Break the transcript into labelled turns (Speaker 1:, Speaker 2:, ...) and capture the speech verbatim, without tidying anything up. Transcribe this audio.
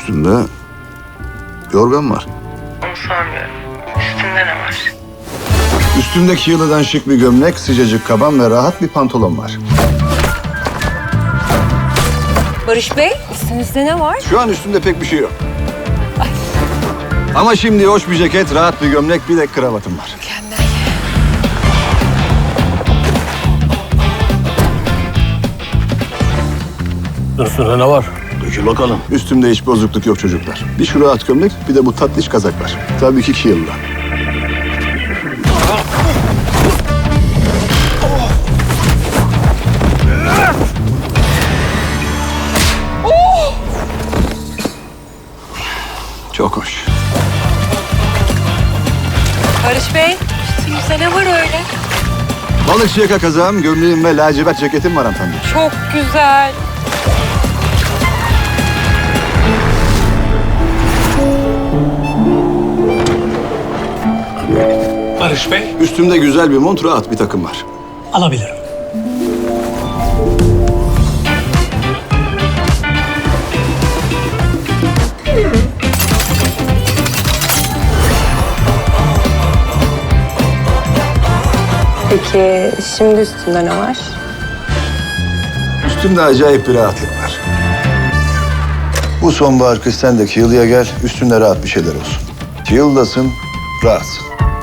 Speaker 1: Üstünde yorgan var.
Speaker 2: Onu sormuyorum. Üstünde ne var?
Speaker 1: Üstündeki yılıdan şık bir gömlek, sıcacık kaban ve rahat bir pantolon var.
Speaker 3: Barış Bey, üstünüzde ne var?
Speaker 1: Şu an üstünde pek bir şey yok. Ama şimdi hoş bir ceket, rahat bir gömlek, bir de kravatım var.
Speaker 3: Mükemmel.
Speaker 4: Üstünde ne var?
Speaker 1: Dökül bakalım. Üstümde hiç bozukluk yok çocuklar. Bir şu rahat gömlek, bir de bu tatlış kazak var. Tabii ki iki yılda. Çok hoş.
Speaker 3: Barış Bey, üstünüzde ne var öyle?
Speaker 1: Balıkçı yaka kazağım, gömleğim ve lacivert ceketim var hanımefendi.
Speaker 3: Çok güzel.
Speaker 4: Barış Bey,
Speaker 1: Üstümde güzel bir mont, rahat bir takım var.
Speaker 4: alabilirim.
Speaker 3: Peki şimdi üstünde ne var?
Speaker 1: Üstümde acayip bir rahatlık var. Bu sonbahar kış sen de Kiel'ya gel, üstünde rahat bir şeyler olsun. Kiel'dasın, rahatsın.